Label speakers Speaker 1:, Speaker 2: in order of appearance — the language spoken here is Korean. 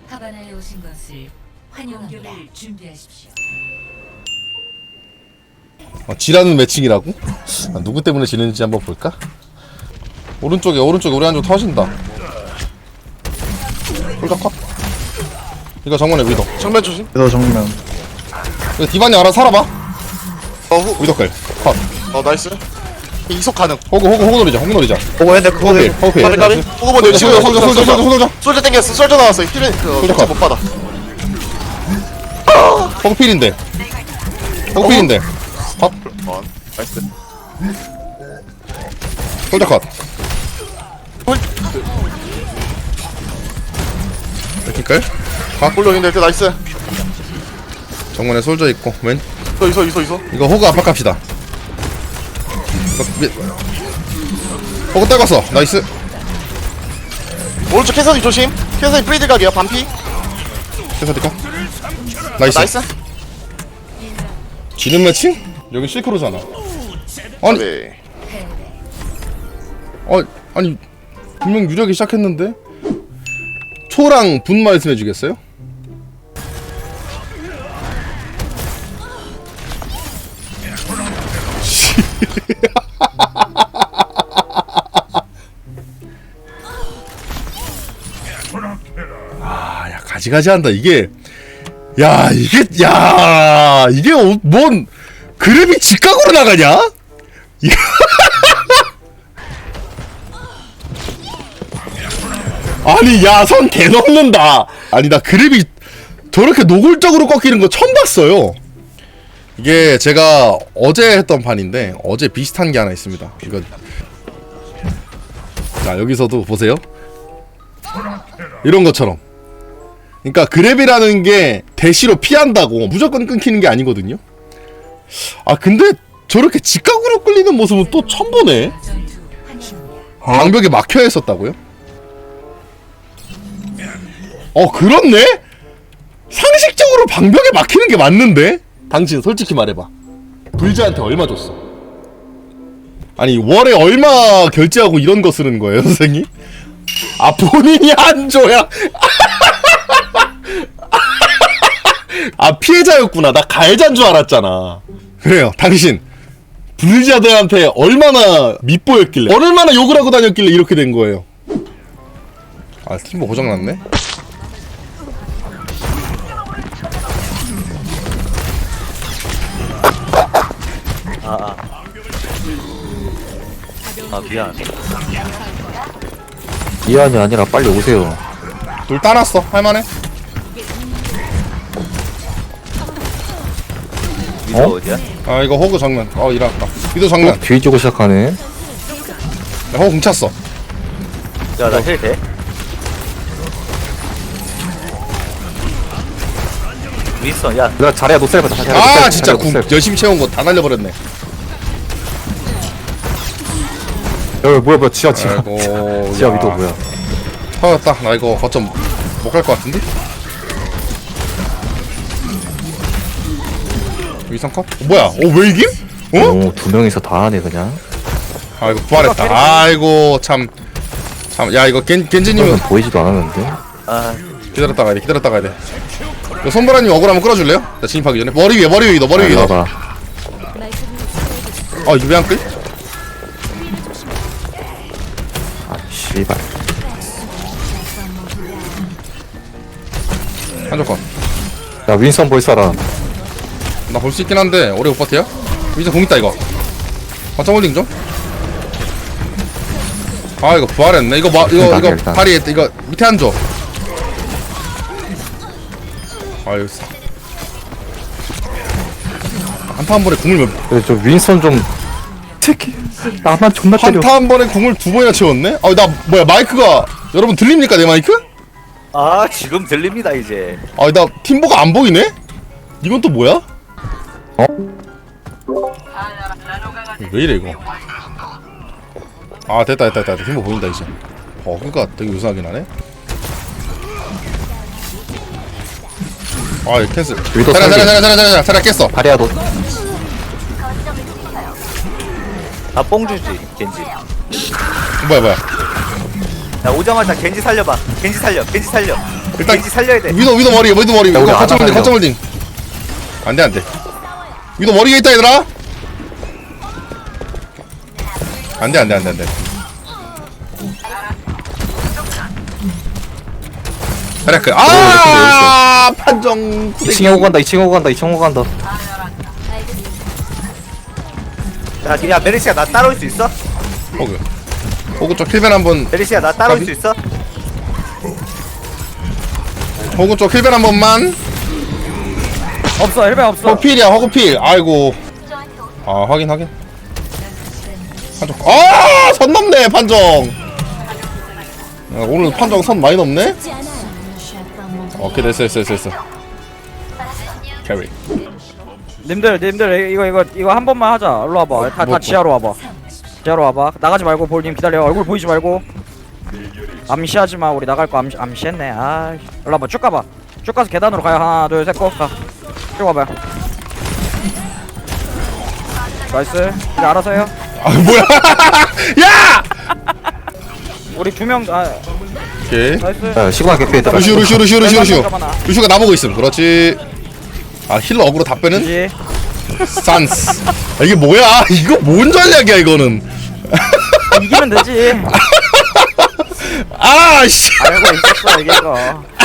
Speaker 1: 하바나에 오신 것을 환영합니다. 준비하십시오.
Speaker 2: 지라는 매칭이라고? 누구 때문에 지는지 한번 볼까? 오른쪽에 우리 한쪽 터진다. 홀짝컷. 이거 정면에 위도.
Speaker 3: 정면 조심.
Speaker 4: 그래서 정면
Speaker 2: 이거 디바니 알아 살아봐. 위도클 컷.
Speaker 3: 나이스. 이속 가능.
Speaker 2: 호구 노리자.
Speaker 4: 보고 했는데 그거
Speaker 2: 호필.
Speaker 3: 까비. 호구 먼저 치고.
Speaker 2: 솔져.
Speaker 3: 솔저 땡겼어. 솔저 나왔어. 힐은
Speaker 2: 솔저 컷.
Speaker 3: 못 받아.
Speaker 2: 호필인데. 컷.
Speaker 3: 나이스.
Speaker 2: 솔져 컷. 이렇게끌.
Speaker 3: 올려인데 그 나이스.
Speaker 2: 정면에 솔져 있고 왼.
Speaker 3: 있어.
Speaker 2: 이거 호그 압박합시다. 호그 떨궜어. 나이스.
Speaker 3: 오른쪽 캐서디 조심. 캐서디 프리드 각이야. 반피.
Speaker 2: 캐서디카. 나이스.
Speaker 3: 나이스.
Speaker 2: 지는 매칭? 여기 실크로잖아. 아니,
Speaker 3: 네.
Speaker 2: 아니 분명 유력이 시작했는데 초랑 분 말씀해 주겠어요? 아, 야 가지가지 한다. 이게 뭔 그룹이 직각으로 나가냐? 이거 아니 야 선 개넘는다. 아니 나 그립이 저렇게 노골적으로 꺾이는 거 처음 봤어요. 이게 제가 어제 했던 판인데 어제 비슷한 게 하나 있습니다. 이거 자 여기서도 보세요. 이런 것처럼. 그러니까 그랩이라는 게 대시로 피한다고 무조건 끊기는 게 아니거든요. 아 근데 저렇게 직각으로 끌리는 모습은 또 처음 보네. 방벽에 막혀 있었다고요? 그렇네? 상식적으로 방벽에 막히는 게 맞는데? 당신 솔직히 말해봐. 불자한테 얼마 줬어? 아니 월에 얼마 결제하고 이런 거 쓰는 거예요 선생님? 아 본인이 안 줘야 아 피해자였구나. 나 가해자인 줄 알았잖아. 그래요 당신 불자들한테 얼마나 밉보였길래 얼마나 욕을 하고 다녔길래 이렇게 된 거예요. 아 팀버 고장났네.
Speaker 5: 미안.
Speaker 4: 미안이 아니라 빨리 오세요.
Speaker 2: 둘 따놨어. 할만해.
Speaker 5: 미도 어디야?
Speaker 2: 아 이거 호그 정면. 일어났다. 미도 정면.
Speaker 4: 뒤지고 시작하네.
Speaker 2: 야, 호그 궁찼어.
Speaker 5: 야, 나 힐 돼? 윈스턴, 야,
Speaker 4: 내가 잘해야 노셀 보자.
Speaker 2: 아 진짜 궁 열심히 채운 거 다 날려버렸네.
Speaker 4: 뭐야 지하
Speaker 2: 아이고
Speaker 4: 지하 위도 뭐야?
Speaker 2: 터졌다. 나 이거 거점 못 갈 것 같은데? 위성컷? 뭐야? 왜 이김?
Speaker 4: 오, 두 명이서 다 하네 그냥.
Speaker 2: 아이고 부활했다. 아이고 참 야 이거 겐지님은
Speaker 4: 이건 보이지도 않았는데.
Speaker 5: 아,
Speaker 2: 기다렸다 가야 돼. 이거 손보라님 억울하면 끌어줄래요? 나 진입하기 전에 머리 위에 위도.
Speaker 4: 봐봐.
Speaker 2: 이거 왜 안 끌?
Speaker 4: 씨발.
Speaker 2: 한조건.
Speaker 4: 야 윈선 볼 사람.
Speaker 2: 나 볼 수 있긴 한데 오래 못 버텨요? 위저 공 있다 이거. 거점 홀딩 좀. 이거 부활했네. 이거
Speaker 4: 일단.
Speaker 2: 다리 이거 밑에 안 줘. 여기 한타 한 번에 궁을
Speaker 4: 그래 저 윈선 좀. 특히 나만 존나 때려.
Speaker 2: 한타 한 번에 궁을 두 번이나 채웠네? 나 뭐야 마이크가 여러분 들립니까 내 마이크?
Speaker 5: 지금 들립니다, 이제.
Speaker 2: 나 팀보가 안 보이네? 이건 또 뭐야? 왜 이래 이거? 됐다. 팀보 보인다 이제. 그니까 되게 유사하긴 하네. 이거 캔슬.
Speaker 4: 위도
Speaker 2: 자리야 깼어.
Speaker 4: 다리야 너.
Speaker 5: 뽕 주지, 겐지.
Speaker 2: 뭐야
Speaker 5: 야, 오자마자 겐지 살려봐. 겐지 살려.
Speaker 2: 일단
Speaker 5: 겐지 살려야 돼.
Speaker 2: 위도 머리
Speaker 4: 우리
Speaker 2: 이거
Speaker 4: 안
Speaker 2: 거점 홀딩
Speaker 4: 하려고.
Speaker 2: 거점 홀딩 안돼 위도 머리에 있다 얘들아 안돼 그래 아 판정
Speaker 4: 2층에 오고 간다 2층에 오고 간다 2층 오고 간다.
Speaker 5: 야 메리시아 나 따라올 수 있어?
Speaker 2: 호그 쪽 힐벤 한번
Speaker 5: 메리시아 나 따라올
Speaker 2: 가비?
Speaker 5: 수 있어?
Speaker 2: 호그 쪽 힐벤 한 번만
Speaker 6: 없어 헬멧 없어.
Speaker 2: 호필이야 호그필 아이고 아 확인 판정 아선 넘네 판정 오늘 판정 선 많이 넘네 오케이 됐어 캐리
Speaker 6: 님들 이거 한 번만 하자. 일로 와봐. 다 지하로 와봐. 지하로 와봐. 나가지 말고 볼님 기다려. 얼굴 보이지 말고. 암시하지 마. 우리 나갈 거 암시했네. 아, 일로 와봐. 쭉 가봐. 쭉 가서 계단으로 가요. 하나, 둘, 셋, 고. 가. 쭉 와봐요. 나이스. 이제 알아서 해요.
Speaker 2: 아 뭐야 야
Speaker 6: 우리 두 명. 아,
Speaker 2: 오케이
Speaker 6: 나이스.
Speaker 4: 자 시그마 개피 있다.
Speaker 2: 루시오가 나보고 있음 그렇지 아 힐러 어그로 다 빼는
Speaker 6: 그지.
Speaker 2: 산스 아, 이게 뭐야 이거 뭔 전략이야 이거는
Speaker 6: 이기면 되지.
Speaker 2: 아씨
Speaker 6: 알고 있었어 이게 이거.